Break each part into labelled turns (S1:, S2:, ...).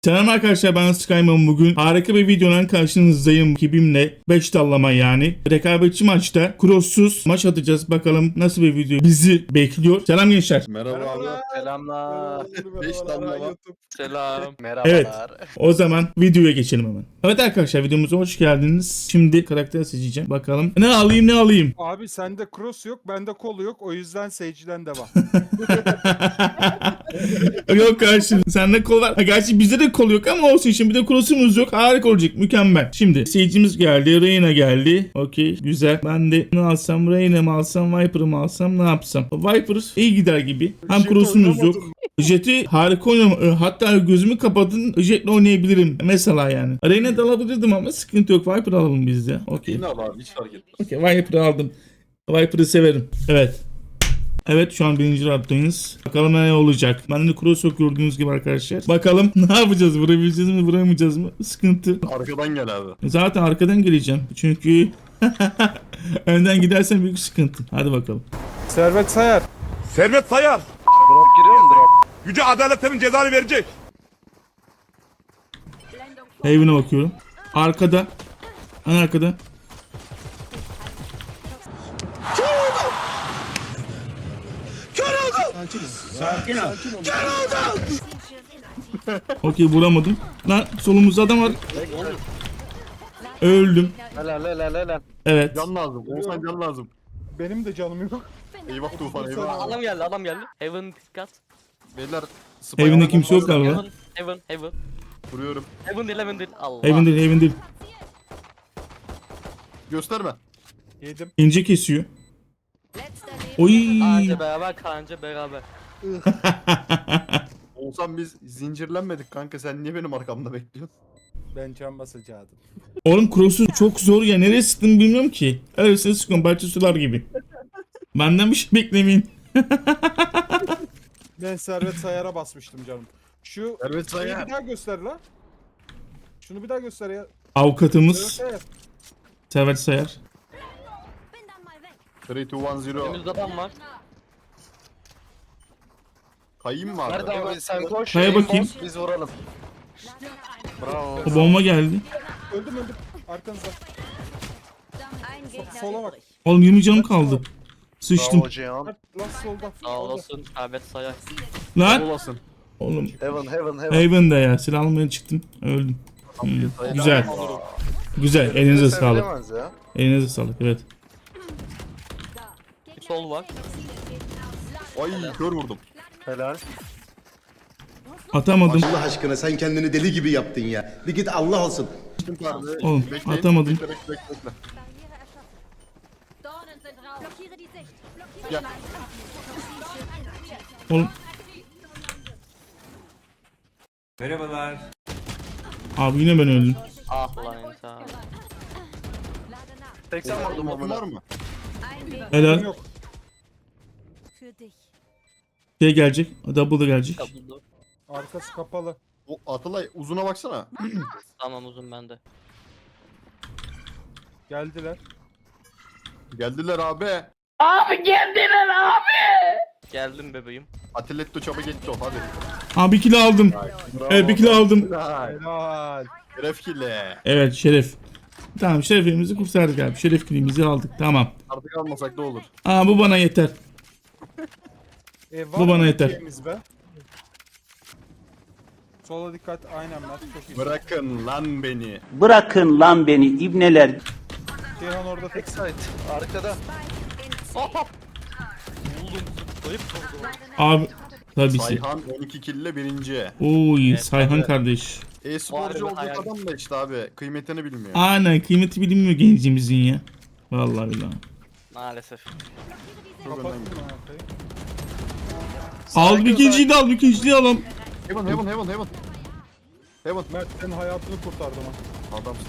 S1: Selam arkadaşlar, ben Skyman. Bugün harika bir videonun karşınızdayım. Ekibimle 5 dallama yani. Rekabetçi maçta crosssuz maç atacağız. Bakalım nasıl bir video bizi bekliyor. Selam gençler.
S2: Merhaba abi.
S3: Selamlar.
S2: Beş damla var.
S3: Selam. Merhabalar.
S1: Evet. O zaman videoya geçelim hemen. Evet arkadaşlar, videomuza hoş geldiniz. Şimdi karakter seçeceğim. Bakalım. Ne alayım?
S4: Abi sende cross yok, bende kolu yok. O yüzden Sage'den devam.
S1: Yok kardeşim, sende kol var. Ha, gerçi bizde de kol yok ama olsun, şimdi bir de cross'umuz yok. Harika olacak, mükemmel. Şimdi Sage'imiz geldi, Reyna geldi. Okey, güzel. Ben de ne alsam, Reyna mı alsam, Viper'ı mı alsam, ne yapsam? Viper iyi gider gibi. Hem
S4: Jet
S1: cross'umuz yok.
S4: oynamadım.
S1: Jet'i harika oynam. Hatta gözümü kapatın, Jet'le oynayabilirim. Mesela yani. Reyna'da alabilirdim ama sıkıntı yok. Viper alalım biz de. Okey.
S2: Yine al abi hiç fark etmez.
S1: Okey, Viper'ı aldım. Viper'ı severim. Evet. Evet, şu an birinci rounddayız. Bakalım ne olacak. Ben de cross yok gördüğünüz gibi arkadaşlar. Bakalım ne yapacağız? Vurabileceğiz mi, vuramayacağız mı? Sıkıntı.
S2: Arkadan gel abi.
S1: Zaten arkadan geleceğim. Çünkü önden gidersen büyük sıkıntı. Hadi bakalım.
S4: Servet Sayar.
S5: Servet Sayar.
S3: Drop giriyor mu drop?
S5: Yüce adaletlerin cezanı verecek.
S1: Haven'a bakıyorum. Arkada. En arkada. Okey, vuramadım. Lan solumuzda adam var. Öldüm.
S3: Helal.
S1: Evet.
S2: Can lazım. Olsan can lazım.
S4: Benim de canım yok.
S2: Eyvah Tufan eyvah.
S3: Adam geldi. Heaven dikkat.
S2: Beyler
S1: Evinde kimse yok galiba.
S3: Heaven.
S2: Vuruyorum.
S3: Heaven değil. Allah.
S1: Haven değil.
S2: Gösterme.
S4: Yedim.
S1: İnce kesiyor. Oy.
S3: Kanca beraber.
S2: Olsan biz zincirlenmedik kanka, sen niye benim arkamda bekliyorsun?
S4: Ben can basacaktım.
S1: Oğlum cross'u çok zor ya. Nereye sıktım bilmiyorum ki. Öylesine sıkıyorum. Bahçe sular gibi. Benden bir şey beklemeyin.
S4: Ben Servet Sayar'a basmıştım canım. Şu
S2: Servet
S4: şeyi
S2: Sayar.
S4: bir daha göster la. Şunu bir daha göster ya.
S1: Avukatımız
S4: Servet Sayar.
S1: Servet Sayar.
S2: 3, 2, 1, 0.
S3: Önümüzde adam var.
S2: Kayayım mı abi?
S3: Nerede abi sen koş.
S1: Kaya bakayım.
S3: Biz vuralım. Bravo.
S1: O bomba geldi.
S4: Öldüm. Arkanızda. Sola bak.
S1: Oğlum 20 canım kaldı. Sıçtım.
S3: Bravo Cihan.
S4: Lan solda.
S3: Sağ olasın. Servet Sayar.
S1: Lan.
S2: Olasın.
S1: Oğlum.
S3: Heaven.
S1: Haven'da ya. Silah almaya çıktım. Öldüm. Güzel. Güzel. Elinize sağlık. Elinize sağlık. Evet.
S3: Sol var.
S2: Ay kör vurdum.
S3: Helal.
S1: Atamadım.
S6: Allah aşkına sen kendini deli gibi yaptın ya. Bir git Allah olsun.
S1: Oğlum atamadım.
S2: Bekle.
S7: Ja.
S1: Oğlum. Abi yine ben öldüm.
S3: Ah lan insan. 80 vurdum
S2: Bakın var
S3: onu.
S2: mı?
S1: Helal.
S4: Yok.
S1: Şey gelecek. Double da gelecek.
S3: Double.
S4: Arkası kapalı.
S2: O Atalay uzuna baksana.
S3: Tamam uzun bende.
S4: Geldiler.
S2: Geldiler abi.
S3: Geldim bebeğim.
S2: Atiletto çaba geçti o hadi.
S1: Abi 1 kilo aldım. Evet, 1 kilo aldım.
S4: Helal.
S2: Refkile.
S1: Evet, şeref. Tamam, şerefimizi kurtardık abi. Şeref kilimizi aldık. Tamam.
S2: Artık almasak da olur.
S1: Aa, bu bana yeter.
S4: Var
S1: Bu bana
S4: mı
S1: yeter.
S4: şeyimiz be? Sola dikkat. Aynen Mert. Çok iyi.
S2: Bırakın lan beni.
S8: Bırakın lan beni ibneler.
S4: Ceyhan orada tek.
S3: Side. Arkada. Hop. Buldum. Zıplayıp vurdu.
S1: Abi tabii ki.
S2: Sayhan 12 kille birinci.
S1: Oy, Sayhan
S3: tabii.
S1: kardeş.
S2: E-sporcu
S3: Var
S2: olacak
S3: hayal.
S2: adam da işte abi kıymetini bilmiyor.
S1: Aynen, kıymeti bilinmiyor gencimizin ya. Vallahi billahi.
S3: Maalesef.
S2: Çok
S4: Kapattın
S2: önemli.
S4: mı arkayı?
S1: Al bir ikinciyi de al, bir ikinciyi alalım.
S2: Heaven.
S4: Mert senin hayatını kurtardım ha.
S2: Adamsın.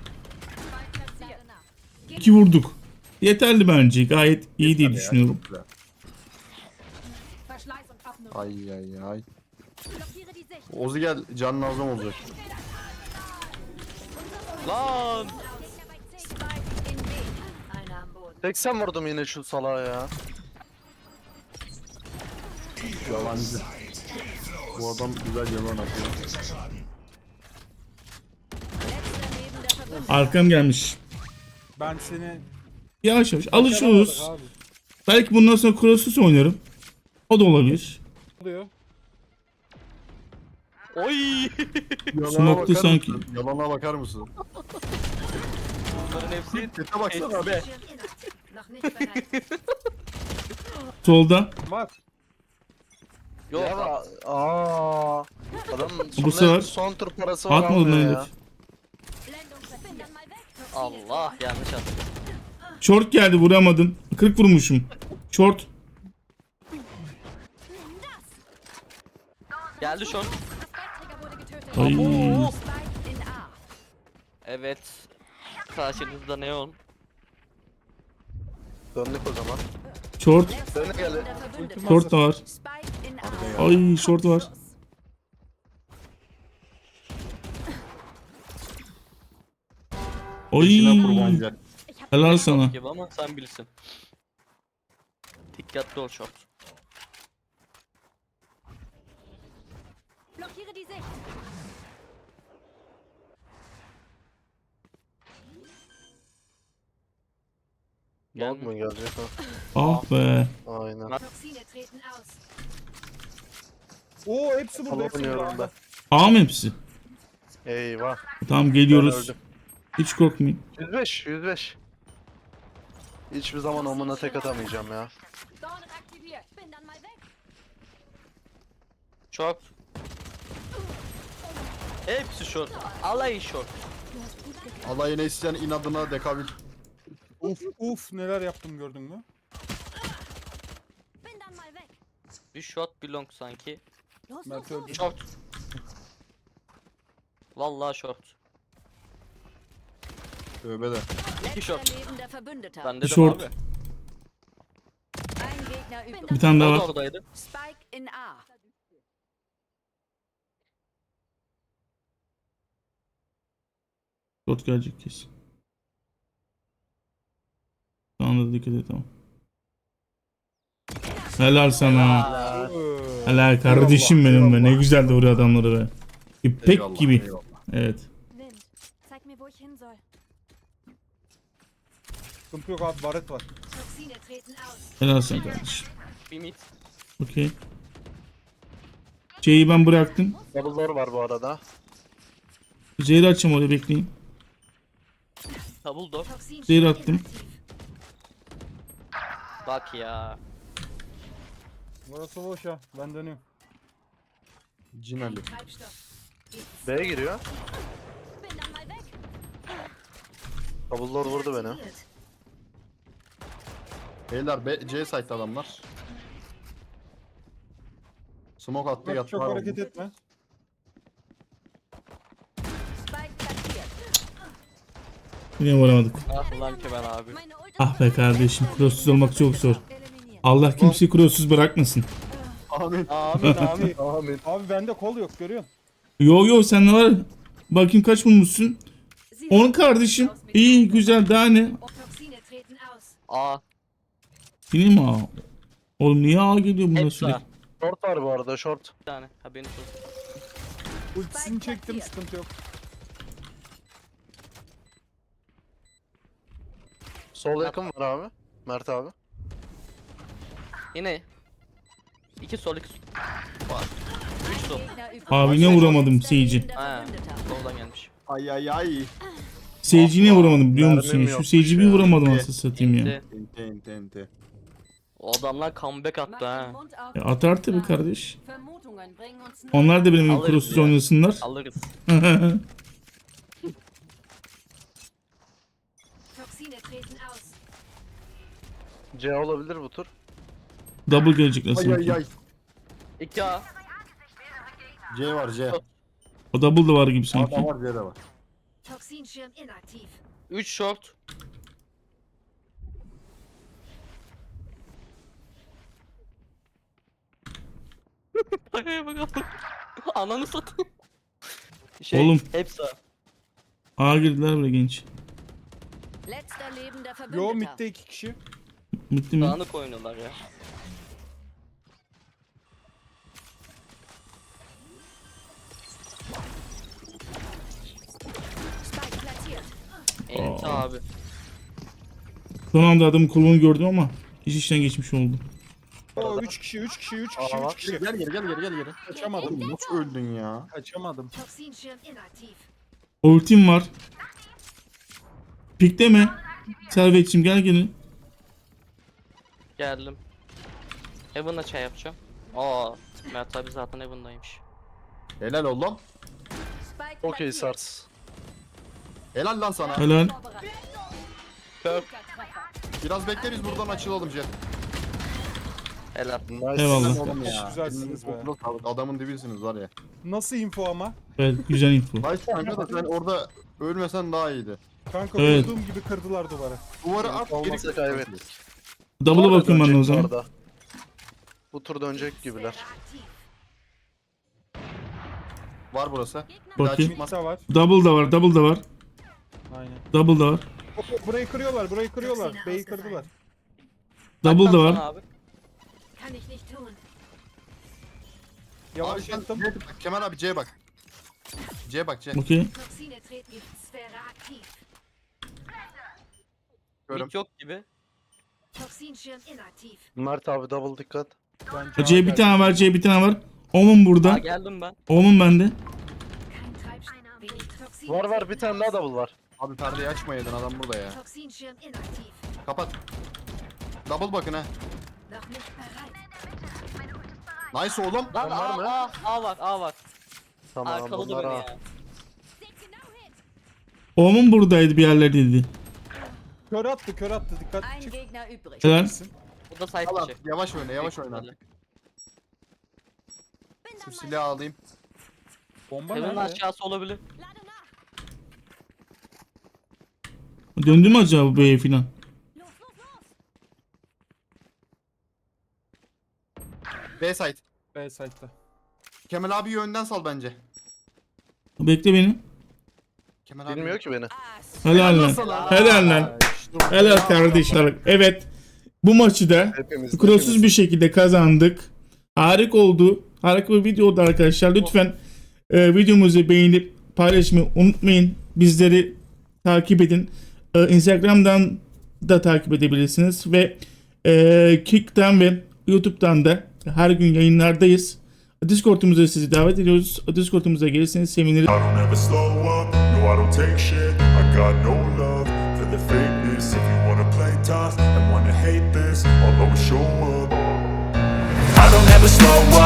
S1: 2 vurduk. Yeterli bence. Gayet iyi diye düşünüyorum.
S2: Çok güzel. Ay. Ozi gel, can lazım olacak.
S3: Lan. 80 vurdum yine şu salağa ya.
S2: Yalancı. Bu adam güzel yalan atıyor.
S1: Arkam gelmiş.
S4: Ben seni
S1: Yavaş yavaş alışıyoruz.
S4: başaramadık abi.
S1: Belki bundan sonra Crossus oynarım. O da olabilir.
S4: Oluyor.
S3: Oy.
S1: Smoke'tu
S2: bakar
S1: sanki.
S2: mısın? Yalana bakar mısın?
S3: Bunların hepsi
S2: Sete baksana be.
S1: Solda.
S4: Var.
S3: yok.
S2: Ya aa. Adam
S1: Bu sefer
S3: son tur parası var
S1: atmadın
S3: almıyor
S1: herif.
S3: ya. Allah yanlış attım.
S1: Short geldi vuramadım. 40 vurmuşum. Short.
S3: Geldi şu an.
S1: Ay.
S3: Evet. Karşınızda Neon. Döndük o zaman.
S1: Short.
S3: Döne geldi.
S1: Short da var. Ay short var.
S2: İşine
S1: Ay.
S2: kurbanca.
S1: Helal sana.
S3: Gibi ama sen bilirsin. Dikkatli ol short.
S7: Blockiere die Sicht.
S3: Long mu gelecek o?
S1: Ah be.
S3: Aynen.
S7: Toxine treten aus.
S4: Oo hepsi burada. Hepsi
S3: Alamıyorum
S4: burada.
S3: ben.
S1: A mı hepsi?
S3: Eyvah.
S1: Tamam
S3: Ben
S1: geliyoruz.
S3: öldüm.
S1: Hiç korkmayın.
S3: 105. Hiçbir zaman omuna tek atamayacağım ya.
S7: Dornen aktiviert. Bin dann mal weg.
S3: Short. Hepsi short. Alayı short.
S2: Alayına isteyen inadına dekabül.
S4: Uf neler yaptım gördün mü?
S7: Bin dann mal weg.
S3: Bir short bir long sanki.
S7: Los,
S4: Mert öldü.
S3: Short. Vallahi short.
S2: Tövbe de.
S3: İki short.
S7: Letzter lebender Verbündeter.
S3: Ben dedim
S1: Short.
S3: abi.
S7: Ein Gegner übrig.
S1: Bir tane daha
S3: O da
S1: var.
S3: oradaydı.
S7: Spike in A.
S1: Short gelecek kesin. Şu anda dikkat et tamam. Helal sana. Helal kardeşim benim be. Ne güzel de vuruyor adamları be. İpek
S2: Eyvallah,
S1: gibi.
S2: eyvallah.
S1: Evet.
S7: Wind. Zeig mir, wo ich hin soll.
S4: Sıkıntı yok abi baret var.
S7: Toxine treten aus.
S1: Helal sana kardeşim.
S3: Bir mid.
S1: Okey. C'yi ben bıraktım.
S3: Double'lar var bu arada.
S1: Zehri açacağım oraya bekleyin.
S3: Double door.
S7: Toxin
S1: Zehir attım.
S3: Bak ya.
S4: Burası boş ya. Ben dönüyorum.
S2: Cinali.
S7: Treibstoff.
S3: B'ye giriyor.
S7: Bin dann mal weg.
S3: Double door vurdu beni.
S7: Aktiviert.
S2: Beyler C site adamlar. Smoke attı
S4: Bak,
S2: yattı
S4: çok
S2: var
S4: hareket
S2: oldu.
S4: etme.
S7: Spike platziert.
S1: Yine vuramadık.
S3: Ah ulan ki ben abi.
S7: Meine Ult
S1: Ah be kardeşim. Crosssuz olmak çok zor.
S7: eliminiert.
S1: Allah kimseyi crosssuz bırakmasın.
S2: Amin.
S3: Amin amin.
S2: Amin.
S4: Abi bende kol yok görüyorsun.
S1: Yo yo sen ne var? Bakayım kaç bulmuşsun? 10 kardeşim. İyi güzel daha ne?
S7: Toxine treten aus.
S3: A.
S1: Yine mi A? Oğlum niye A geliyor buna
S3: Hepsi
S1: sürekli?
S3: A. Short var bu arada short. Bir tane haberiniz olsun.
S4: Ultisini çektim sıkıntı yok.
S3: Sol yakın var abi. Mert abi. Yine. 2 sol 2 sol. Var. 3 sol.
S7: Gegner übrig.
S1: Abi ne vuramadım Sage'i.
S7: Lebender
S3: Ha.
S7: Verbündeter.
S3: Soldan gelmiş.
S2: Ay ay ay.
S1: Sage'i niye vuramadım biliyor musun?
S3: Mermim
S1: Şu
S3: yokmuş
S1: Sage'i bir
S3: ya.
S1: vuramadım aslında satayım ya.
S3: Enti.
S2: Ente.
S3: O adamlar comeback attı
S7: Mach
S3: ha.
S7: den Mund auf.
S1: Ya atar tabii kardeş.
S7: Vermutungen bringen uns nahe.
S1: Onlar da benim gibi
S3: Alırız
S1: crosssuz
S3: ya.
S1: oynasınlar.
S3: Alırız.
S7: Toxine treten aus.
S3: C olabilir bu tur.
S1: Double gelecekler
S2: Ay ay
S1: sanki.
S2: ay.
S3: 2A.
S2: C var C.
S1: O double da var gibi
S2: A
S1: sanki.
S2: da var C de var.
S7: Toxinschirm inaktiv.
S3: 3 short. Paraya bakalım. Ananı satayım.
S1: Oğlum.
S3: Hepsi A.
S1: A girdiler buraya genç.
S7: Letzter lebender
S4: Yo
S7: Verbündeter.
S4: midde 2 kişi.
S1: Bitti mi?
S3: Dağınık oynuyorlar ya.
S7: Spike platziert.
S9: Neyse abi.
S1: Son anda adamın kolunu gördüm ama iş işten geçmiş oldu.
S4: Oo 3 kişi 3 kişi 3 kişi
S3: Aa,
S4: 3 kişi.
S2: Gel geri.
S4: Kaçamadım.
S2: Oğlum nasıl öldün ya?
S4: Kaçamadım.
S7: Toxinschirm inaktiv.
S1: Ultim var. Pikleme. Servetçim gel gelin.
S9: Geldim. Heaven'la çay yapacağım. Aa, Mert abi zaten Heaven'daymış.
S2: Helal oğlum.
S7: Spike
S3: Okey
S7: platziert.
S3: Sars.
S2: Helal lan sana.
S1: Helal.
S3: Kör.
S2: Biraz bekle biz buradan açılalım Jet.
S9: Helal.
S3: Nice.
S1: Eyvallah.
S2: Oğlum ya.
S4: Güzelsiniz be.
S2: Elinize sağlık. Adamın dibisiniz var ya.
S4: Nasıl info ama?
S1: Evet güzel info.
S2: Nice kanka da sen orada ölmesen daha iyiydi.
S4: Kanka
S1: Evet.
S4: vurduğum gibi kırdılar duvarı.
S2: Duvarı at
S3: Olmasa
S2: geri
S3: kaybettik.
S1: Double'a
S3: Sonra
S1: bakıyorum ben de o
S3: dönecek bu
S1: zaman.
S3: arada. Bu tur dönecek gibiler.
S7: Aktiv.
S2: Var burası.
S1: Bakayım.
S2: Çıkmaz.
S4: Masa var.
S1: Double da var, double da var.
S4: Aynen.
S1: Double da var.
S4: Burayı kırıyorlar, burayı kırıyorlar. B'yi kırdılar.
S1: Double da
S9: Tamam
S1: var.
S9: abi.
S7: Kann ich nicht tun.
S2: Abi
S4: Yavaşlattım.
S2: sen bak, Kemal abi C'ye bak. C'ye bak C.
S1: Okey.
S7: Toxine treten Giftsphäre aktiv.
S2: Görüm.
S9: Mid yok gibi.
S7: Toxinschirm inaktiv.
S3: Mert abi double dikkat.
S4: Ben
S1: C bir tane var, C bir tane var. Omun
S9: Aa,
S1: burada.
S9: geldim ben.
S1: Omun bende.
S7: Kein Treibstoff. Wenig Toxine
S3: Var bir
S7: treten
S3: tane daha
S7: aus.
S3: double var.
S2: Abi perdeyi açmayaydın adam burada ya.
S7: Toxinschirm inaktiv.
S2: Kapat. Double bakın ha.
S7: Noch nicht bereit.
S2: Nice oğlum.
S9: Lan
S3: var mı?
S9: A var, A var.
S3: Tamam
S9: Arkaladı
S3: bunlar
S9: beni
S3: ha.
S9: ya.
S1: Omun buradaydı bir yerlerdeydi.
S4: Kör attı, dikkat.
S7: Ein
S4: Çık.
S7: Gegner übrig.
S1: Helal.
S9: Bu da side
S2: Al
S9: dışı.
S2: abi, yavaş oyna yavaş oyna artık. Şu silahı alayım.
S4: Bomba
S9: Heaven'ın
S4: nerede?
S9: aşağısı olabilir.
S1: Döndü mü acaba bu B'ye filan?
S2: B site.
S4: B site'da.
S2: Kemal abi önden sal bence.
S1: Bekle beni.
S2: Kemal abi.
S3: Bilmiyor ki beni.
S1: Helal lan. Helal lan. Helal kardeşler. Evet. Bu maçı da
S3: Hepimiz.
S1: kusursuz bir şekilde kazandık. Harika oldu. Harika bir video oldu arkadaşlar. Lütfen videomuzu beğenip paylaşmayı unutmayın. Bizleri takip edin. Instagram'dan da takip edebilirsiniz. Ve Kick'ten ve YouTube'dan da her gün yayınlardayız. Discord'umuza sizi davet ediyoruz. Discord'umuza gelirseniz seviniriz.
S5: I don't ever slow up, no I don't take shit. I got no love for the fakeness. If you wanna play tough and wanna hate this, I'll always show up. I don't ever slow up.